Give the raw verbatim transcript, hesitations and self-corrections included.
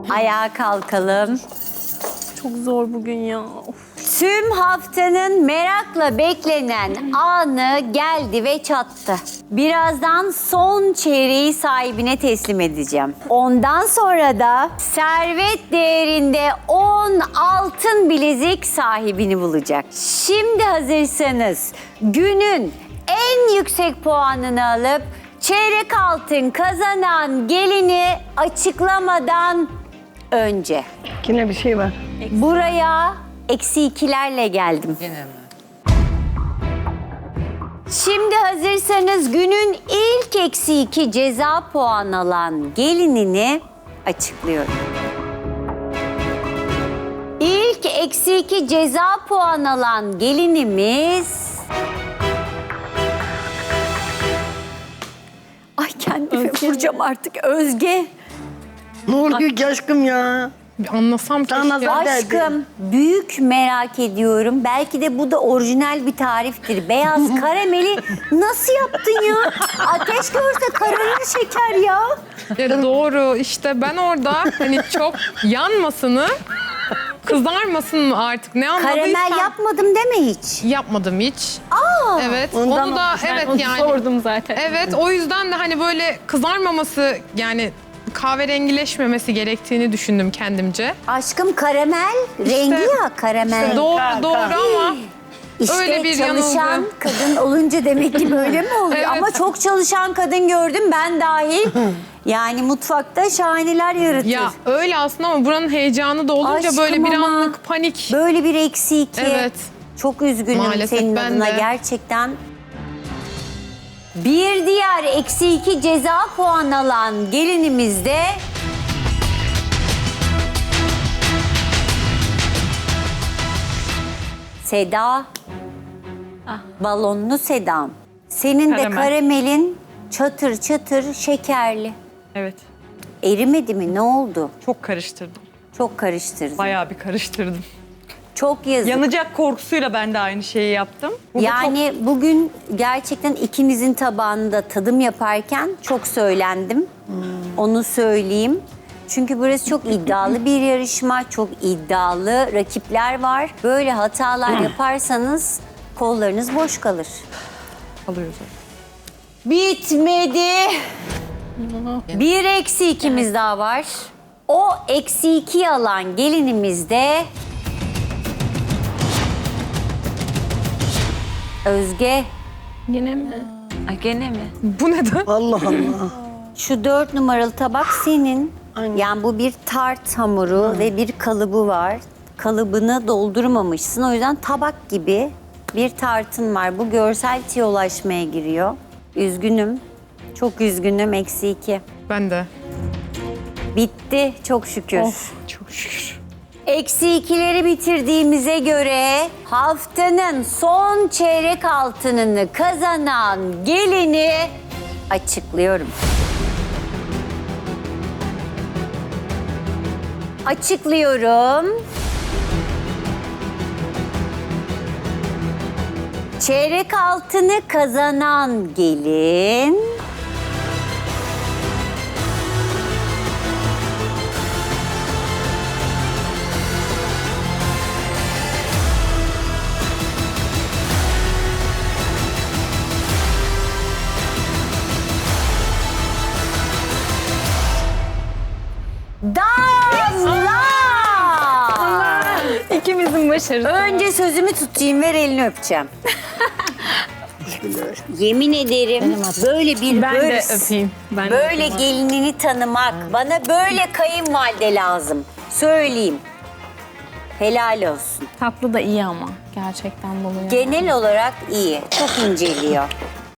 Ayağa kalkalım. Çok zor bugün ya. Of. Tüm haftanın merakla beklenen anı geldi ve çattı. Birazdan son çeyreği sahibine teslim edeceğim. Ondan sonra da servet değerinde on altın bilezik sahibini bulacak. Şimdi hazırsanız günün en yüksek puanını alıp çeyrek altın kazanan gelini açıklamadan önce Yine bir şey var. buraya eksi ikilerle geldim. Yine mi? Şimdi hazırsanız günün ilk eksi iki ceza puan alan gelinini açıklıyorum. İlk eksi iki ceza puan alan gelinimiz... Ay kendimi vuracağım artık. Özge. Ne oluyor ki aşkım ya? Bir anlasam keşke. Sana zaten- Aşkım büyük merak ediyorum. Belki de bu da orijinal bir tariftir. Beyaz karameli nasıl yaptın ya? Ateş görse kararır şeker ya. Ya doğru işte ben orada hani çok yanmasını, kızarmasın mı artık ne anladıysam. Karamel yapmadım deme hiç. Yapmadım hiç. Evet Ondan onu da olmuş. Ben evet onu yani. sordum zaten. Evet o yüzden de hani böyle kızarmaması yani kahverengileşmemesi gerektiğini düşündüm kendimce. Aşkım karamel rengi ya karamel. Doğru Ka- doğru ka- ama İşte öyle bir çalışan yanılgı. kadın olunca demek ki böyle mi oluyor? Evet. Ama çok çalışan kadın gördüm ben dahil. Yani mutfakta şahaneler yaratır. Ya öyle aslında ama buranın heyecanı da olunca Aşkım böyle bir ama anlık panik. Böyle bir eksi iki. Evet. Çok üzgünüm Maalesef senin ben adına de. gerçekten. Bir diğer eksi iki ceza puan alan gelinimiz de... Seda. Balonlu Sedam. Senin de Karamel. karamelin çatır çatır şekerli. Evet. Erimedi mi? Ne oldu? Çok karıştırdım. Çok karıştırdın. Bayağı bir karıştırdım. Çok yazık. Yanacak korkusuyla ben de aynı şeyi yaptım. Bu da Yani bugün gerçekten ikinizin tabağında tadım yaparken çok söylendim. Onu söyleyeyim. Çünkü burası çok iddialı bir yarışma, çok iddialı rakipler var. Böyle hatalar yaparsanız kollarınız boş kalır. çok alıyoruz. Bitmedi. Bir eksi ikimiz daha var. O eksi iki alan gelinimiz de... Özge. Yine mi? Ay gene mi? Bu neden? Allah Allah. Şu dört numaralı tabak senin. Aynen. Yani bu bir tart hamuru ve bir kalıbı var. Kalıbını doldurmamışsın. O yüzden tabak gibi bir tartın var. Bu görsel tiyolaşmaya giriyor. Üzgünüm. Çok üzgünüm. Eksi iki. Ben de. Bitti çok şükür. Çok şükür. Eksi ikileri bitirdiğimize göre haftanın son çeyrek altınını kazanan gelini açıklıyorum. Açıklıyorum. Çeyrek altını kazanan gelin... Damla! İkimizin başarısı. Önce sözümü tutayım, ver elini öpeceğim. Yemin ederim böyle bir Ben de hırs, öpeyim. Ben de böyle öpeyim. gelinini tanımak, bana böyle kayınvalide lazım. Söyleyeyim. Helal olsun. Tatlı da iyi ama. Gerçekten buluyor. Genel olarak iyi, çok inceliyor.